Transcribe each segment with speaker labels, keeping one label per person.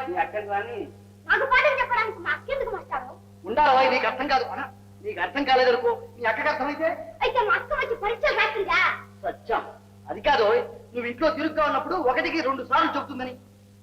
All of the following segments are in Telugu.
Speaker 1: నీ అక్కని రాని
Speaker 2: నాకు పాఠం చెప్పడానికి మా అక్కెందుకు మాస్టారు?
Speaker 1: ఉండాలి, నీకు అర్థం కాదు. నీకు అర్థం కాలేదనుకో, నీ అక్కకి అర్థమైతే
Speaker 2: అయితే మా అక్క వచ్చి పరీక్షలు రాసిందా?
Speaker 1: సత్యం అది కాదు. నువ్వు ఇంట్లో తిరుగుగా ఉన్నప్పుడు 1కి 2 సార్లు చెబుతుందని.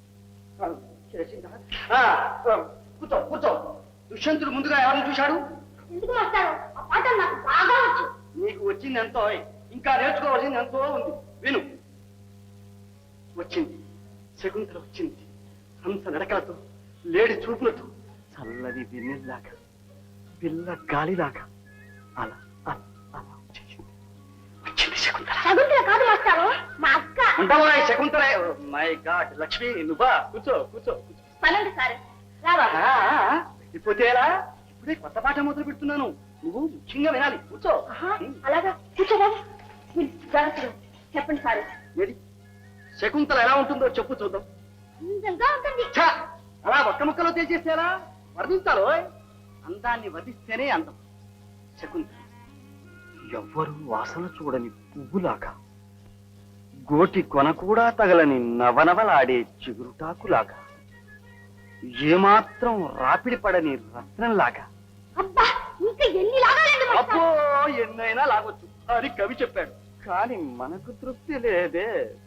Speaker 1: కూర్చో కూర్చో. దుష్యంతుడు ముందుగా ఎవరిని చూశాడు?
Speaker 2: ఎందుకు మాస్టారు? ఆ పాఠం నాకు బాగా వచ్చు.
Speaker 1: నీకు వచ్చింది ఎంతో, ఇంకా నేర్చుకోవాల్సింది ఎంతో ఉంది. విను. వచ్చింది శకుంతల, వచ్చింది హంస నడకలతో, లేడి చూపులతో, చల్లది వెన్నెల్లాగా, పిల్ల గాలిలాగా అలా అలా అలా వచ్చేసింది. వచ్చింది శకుంతల.
Speaker 2: శకుంతల కాదు మాస్టారు, మా అక్క.
Speaker 1: ఉంటావా శకుంతల? మై గాడ్ లక్ష్మి, నువ్వా? కూర్చో కూర్చో.
Speaker 2: పనండి సార్. రావా?
Speaker 1: వెళ్ళిపోతే ఎలా? ఇప్పుడే కొత్త పాఠం మొదలు పెడుతున్నాను, నువ్వు ముఖ్యంగా వినాలి. కూర్చో.
Speaker 2: అలాగా కూర్చోరా. చెప్పండి సార్.
Speaker 1: ఏది శకుంతల ఎలా ఉంటుందో చెప్పు చూద్దాం.
Speaker 2: అందంగా ఉంటుంది.
Speaker 1: అలా ఒక్క ముక్కలో తేల్చేస్తేలా? వర్ణించాలో? అందాన్ని వధిస్తేనే అందం. శకుంతల ఎవ్వరూ వాసన చూడని పువ్వులాగా, గోటి కొన కూడా తగలని నవనవలాడే చిగురుటాకులాగా, ఏమాత్రం రాపిడి పడని రత్నంలాగా.
Speaker 2: అబ్బా, ఇంకా ఎన్ని లాగాలండి?
Speaker 1: అబ్బో, ఎన్నైనా లాగొచ్చు అని కవి చెప్పాడు, కానీ మనకు తృప్తి లేదే.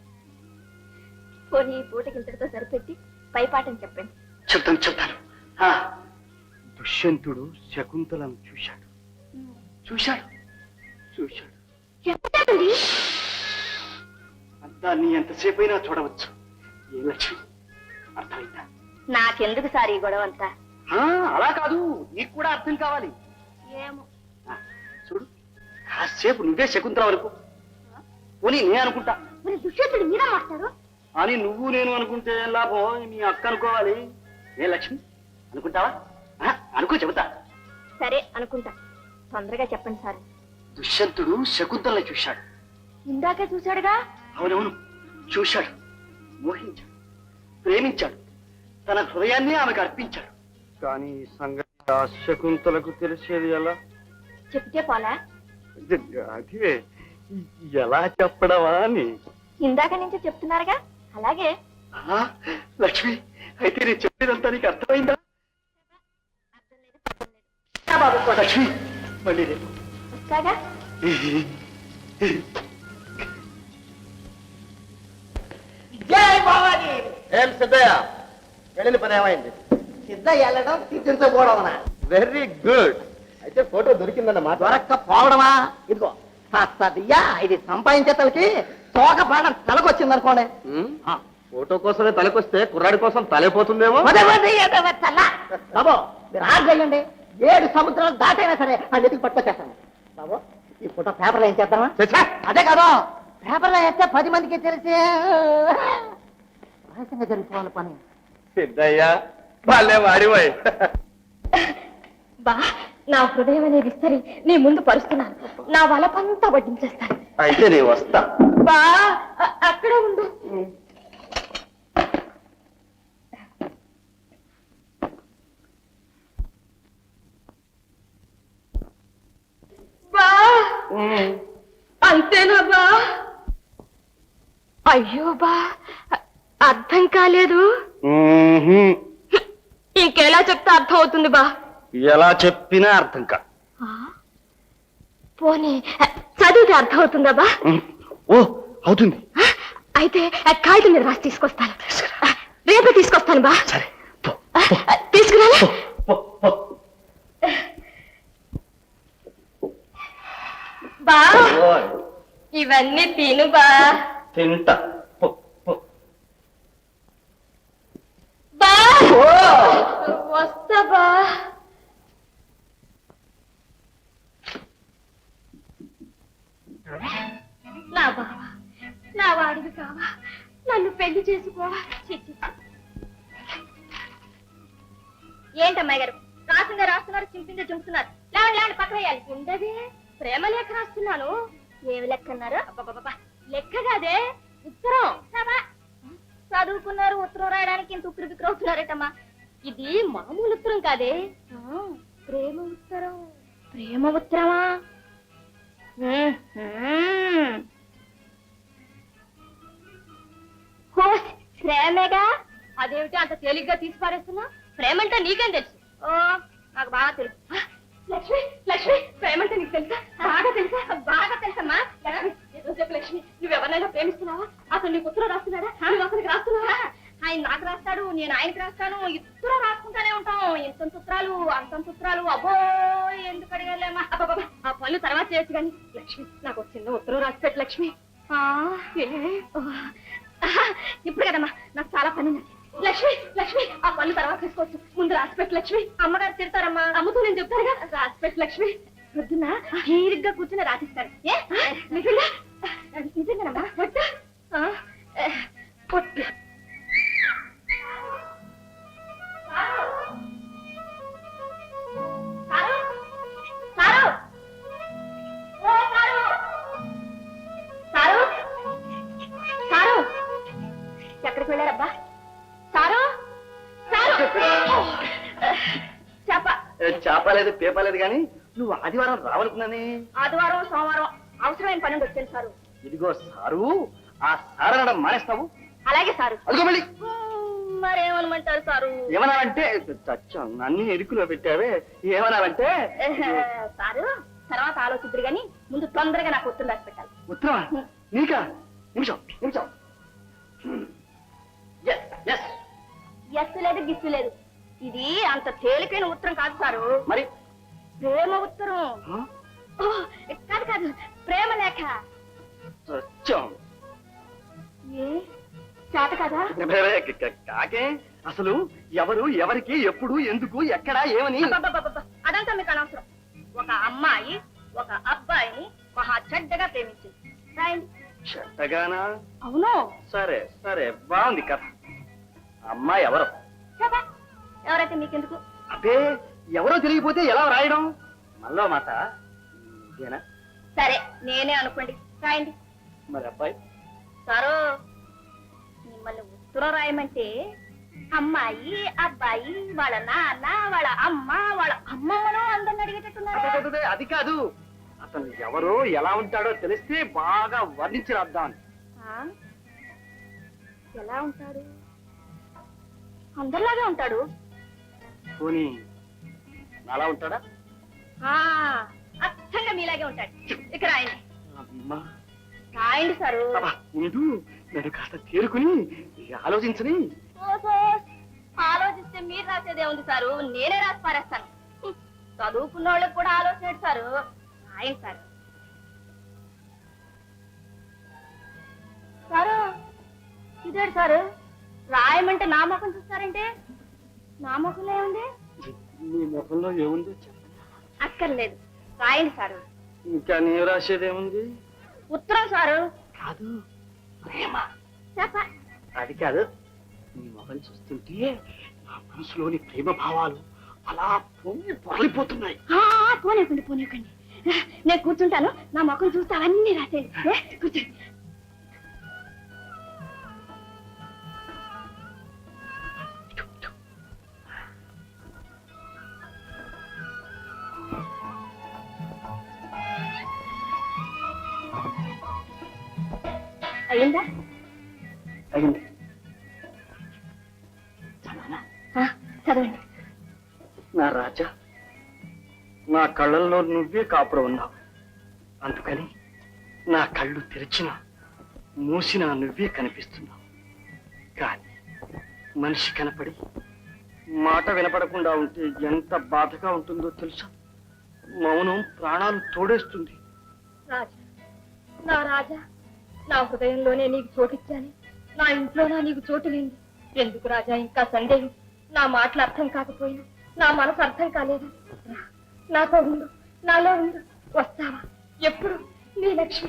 Speaker 2: పోనీ పూటకి ఇంతటితో సరిపెట్టి పై పాఠం చెప్పండి.
Speaker 1: చెప్తాను చెప్తాను. దుష్యంతుడు శకుంతలను చూశాడు చూశాడు చూశాడు.
Speaker 2: చెప్పండి.
Speaker 1: అందాన్ని ఎంతసేపైనా చూడవచ్చు. ఏ లక్ష్మి, అర్థమైందా?
Speaker 2: నాకెందుకు సార్ ఈ గొడవ అంతా?
Speaker 1: అలా కాదు, నీకు కూడా అర్థం కావాలి.
Speaker 2: ఏమో.
Speaker 1: చూడు, కాసేపు నువ్వే శకుంతల వరకు పోనీ నేను అనుకుంటా.
Speaker 2: మరి దుష్యంతుడు మీరా మాస్టారు?
Speaker 1: అని నువ్వు నేను అనుకుంటే లాభం, నీ అక్క అనుకోవాలి. ఏ లక్ష్మి, అనుకుంటావా? అనుకో, చెబుతా.
Speaker 2: సరే అనుకుంటా, తొందరగా చెప్పండి సార్.
Speaker 1: దుష్యంతుడు శకుంతలని చూశాడు.
Speaker 2: ఇందాకే చూశాడుగా?
Speaker 1: అవునవును, చూశాడు, మోహించాడు, ప్రేమించాడు, తన హృదయాన్ని ఆమెకు అర్పించాడు. కానీ ఈ సంగతి ఆ శకుంతలకు తెలిసేది ఎలా?
Speaker 2: చెప్తే పోలా?
Speaker 1: అదే, ఎలా చెప్పడమా అని.
Speaker 2: ఇందాక నుంచి చెప్తున్నారుగా, అలాగే.
Speaker 1: లక్ష్మి, అయితే నేను చెప్పేదంతా నీకు అర్థమైందా? లక్ష్మి, మళ్ళీ రేపు
Speaker 2: వస్తాగా.
Speaker 3: ఏం సిద్ధయ్య, వెళ్ళిన పని ఏమైంది? సిద్ధయ్య వెళ్ళడం, తీర్చించకపోవడమనా? Very good. అయితే ఫోటో దొరికిందన్నమాట. దొరక్కపోవడమా? ఇదిగో సదియ్యా, ఇది సంపాదించేతలకి తోక పాడం తలకొచ్చింది అనుకోండి. ఫోటో కోసమే తలకొస్తే కుర్రాడి కోసం తలైపోతుందేమో. బాబు మీరు ఆర్డర్ చేయండి, 7 సముద్రాలు దాటైనా సరే ఆ నెతికి పట్టుకొచ్చేస్తాను. బాబు ఈ ఫోటో పేపర్లో ఏం చేద్దామా? అదే కదా, పేపర్లో వేస్తే 10 మందికి తెలిసి రహస్యంగా జరిగిపోవాలి పని.
Speaker 1: సిద్ధయ్యా, వాళ్ళే వాడిపోయి.
Speaker 2: బా, నా హృదయం అనేది ఇస్తరి నీ ముందు పరుస్తున్నాను. నా వలపంతా వడ్డించేస్తాను.
Speaker 1: అయితే నేను వస్తా.
Speaker 2: బా, అక్కడే ఉండు. బా, అంతేనా బా? అయ్యో బా, అర్థం కాలేదు. ఇంకెలా చెప్తే అర్థం అవుతుంది బా?
Speaker 1: ఎలా చెప్పినా అర్థం కా.
Speaker 2: పోనీ చదివితే అర్థం అవుతుందా బా?
Speaker 1: ఓ, అవుతుంది.
Speaker 2: అయితే కాగితం మీద రాసి తీసుకొస్తాను. రేపే తీసుకొస్తాను బా.
Speaker 1: సరే,
Speaker 2: తీసుకురా. బా, ఇవన్నీ తిను బా.
Speaker 1: తింటా.
Speaker 2: బా, వస్తా బా. నా బావా, నా వాడివి కావా, నన్ను పెళ్లి చేసుకోవా? ఏంటమ్మాయి గారు, రాసిందే రాస్తున్నారు, చింపిందే చింపుతున్నారు. లేవండి లేవండి, పక్క వేయాలి. ఉండదే, ప్రేమ లేఖ రాస్తున్నాను. ఏమి లెక్క అన్నారు? లెక్క కాదే, ఉత్తరం. చదువుకున్నారు, ఉత్తరం రాయడానికి ఇంత ఉక్కిరి బిక్కిరి అవుతున్నారేటమ్మా. ఇది మామూలు ఉత్తరం కాదే, ప్రేమ ఉత్తరం. ప్రేమ ఉత్తరమా? ప్రేమగా అదేమిటి అంత తేలిగ్గా తీసి పారేస్తున్నా? ప్రేమంటే నీకేం తెలుసు? ఓ నాకు బాగా తెలుసు. లక్ష్మి లక్ష్మి ప్రేమంటే నీకు తెలుసా? బాగా తెలుసా? బాగా తెలుసమ్మా. ఏదో చెప్పు లక్ష్మి, నువ్వెవరినైనా ప్రేమిస్తున్నావా? అసలు నీకు ఉత్తరం రాస్తున్నాడా? నువ్వు అసలు రాస్తున్నావా? ఆయన నాకు రాస్తాడు, నేను ఆయనకి రాస్తాను, ఇద్దరు రాసుకుంటానే ఉంటాం. ఇంతంత ఉత్తరాలు అంతంత ఉత్తరాలు. అబ్బో ఎందుకు అడిగాలేమా? ఆ పనులు తర్వాత చేయొచ్చు కానీ లక్ష్మి నాకు ఒక చిన్న ఉత్తరం రాసి పెట్టు లక్ష్మి. ఇప్పుడు కదమ్మా, నాకు చాలా పని ఉంది. లక్ష్మి లక్ష్మి ఆ పనులు తర్వాత తీసుకోవచ్చు, ముందు రాసిపెట్టు లక్ష్మి. అమ్మగారు తిడతారమ్మా. అమ్మతో నేను చెప్తానుగా. రాసిపెట్టు లక్ష్మి. పొద్దున్న తీరిగ్గా కూర్చుని రాసిస్తారు. నిజంగా నిజంగానమ్మా? పొట్టు పొట్టు ఎక్కడికి వెళ్ళారబ్బా? సారు
Speaker 1: చేపలేదు పేపలేదు కానీ నువ్వు ఆదివారం రావాలనుకున్నానే.
Speaker 2: ఆదివారం సోమవారం అవసరమైన పని వచ్చాను సారు.
Speaker 1: ఇదిగో సారు, ఆ సారు అనడం మానేస్తావు?
Speaker 2: అలాగే సారు.
Speaker 1: అదిగో మళ్ళీ
Speaker 2: మరేమనమంటారు సారు?
Speaker 1: ఏమన్నావంటే చచ్చా అన్ని ఇరుకులో పెట్టావే. ఏమన్నావంటే
Speaker 2: సారు తర్వాత ఆలోచిద్దరు గాని ముందు తొందరగా నాకు ఉత్తరం రాసి పెట్టాలి.
Speaker 1: ఉత్తరమా? నీకా? నిమిషం నిమిషం.
Speaker 2: ఎస్సు లేదు గిస్సు లేదు. ఇది అంత తేలికైన ఉత్తరం కాదు సారు.
Speaker 1: మరి
Speaker 2: ప్రేమ ఉత్తరం. కాదు కాదు, ప్రేమ లేఖ. ఏ చేత కదా?
Speaker 1: కాకే అసలు ఎవరు ఎవరికి ఎప్పుడు ఎందుకు ఎక్కడ ఏమని
Speaker 2: అదంతా మీకు అనవసరం. ఒక అమ్మాయి ఒక అబ్బాయిని మహా చెడ్డగా ప్రేమించింది. రాయండి.
Speaker 1: చెడ్డగానా?
Speaker 2: అవును.
Speaker 1: సరే సరే బాగుంది కథ. అమ్మాయి ఎవరు?
Speaker 2: ఎవరైతే మీకెందుకు?
Speaker 1: అబ్బే ఎవరో తెలియకపోతే ఎలా రాయడం? మళ్ళా మాట ఇదేనా?
Speaker 2: సరే నేనే అనుకోండి, రాయండి.
Speaker 1: మరి అబ్బాయి?
Speaker 2: సారు మిమ్మల్ని ఉత్తరం రాయమంటే అమ్మాయి అబ్బాయి వాళ్ళ నాన్న వాళ్ళ అమ్మ వాళ్ళ అమ్మమ్మను అందరిని అడిగేటట్టున్నారు.
Speaker 1: అది కాదు, అతను ఎవరో ఎలా ఉంటాడో తెలిస్తే బాగా వర్ణించి రాద్దామని.
Speaker 2: ఎలా ఉంటాడు? అందరిలాగే ఉంటాడు.
Speaker 1: పోనీ అలా ఉంటాడా?
Speaker 2: అచ్చంగా మీలాగే ఉంటాడు. ఇక రాయండి.
Speaker 1: అమ్మా
Speaker 2: రాయండి సారు.
Speaker 1: ముందు నేను కాస్త తేరుకుని ఆలోచించని.
Speaker 2: ఆలోచిస్తే మీరు రాసేదే ఉంది సారు, నేనే రాసి పారేస్తాను. చదువుకున్న వాళ్ళకి కూడా ఆలోచన సారు. రాయండి సారు. సారు ఇదేడు సారు, రాయమంటే నా ముఖం చూస్తారంటే? నా ముఖంలో ఏముంది?
Speaker 1: నీ ముఖంలో ఏముంది?
Speaker 2: అక్కర్లేదు, రాయండి సారు.
Speaker 1: ఇంకా నీ రాసేదేముంది?
Speaker 2: ఉత్తరం సారు.
Speaker 1: కాదు, ప్రేమ.
Speaker 3: అది కాదు,
Speaker 1: నీ ముఖం చూస్తుంటే నా మనసులోని ప్రేమ భావాలు అలా పొంగి పొరలిపోతున్నాయి.
Speaker 2: పోనీకండి పోనీకండి, నేను కూర్చుంటాను. నా ముఖం చూస్తే అవన్నీ రాసేయండి. కూర్చోండి. అయిందా?
Speaker 1: అయింది.
Speaker 2: చదవండి.
Speaker 1: నా రాజా, నా కళ్ళల్లో నువ్వే కాపురం ఉన్నావు. అందుకని నా కళ్ళు తెరిచినా మూసినా నువ్వే కనిపిస్తున్నావు. కానీ మనిషి కనపడి మాట వినపడకుండా ఉంటే ఎంత బాధగా ఉంటుందో తెలుసా? మౌనం ప్రాణాలు తోడేస్తుంది.
Speaker 2: రాజా, నా రాజా, నా హృదయంలోనే నీకు చోటిచ్చాను. నా ఇంట్లోనా నీకు చోటు లేదు. ఎందుకు రాజా ఇంకా సందేహం? నా మాటలు అర్థం కాకపోయినా నా మనసు అర్థం కాలేదు. నాతో ఉండు, నాలో ఉండు. వస్తావా? ఎప్పుడు? నీ లక్ష్మి.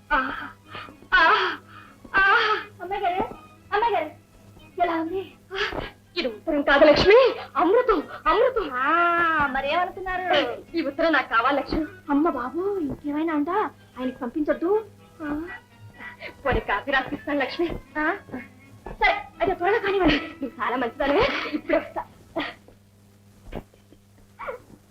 Speaker 2: అమ్మాయి గారు, అమ్మాయి గారు, ఎలా ఉంది? ఇది ఉత్తరం కాదు లక్ష్మి, అమృతం. అమృతం. మరేమనుకున్నారు? ఈ ఉత్తరం నాకు కావాలి లక్ష్మి. అమ్మ బాబు, ఇంకేమైనా అందా? ఆయనకి పంపించొద్దు. పోనీ కాఫీ రాసిస్తాను లక్ష్మి. సరే అయితే త్వరగా కానివ్వండి. నువ్వు చాలా మంచిదానివే. ఇప్పుడే వస్తా.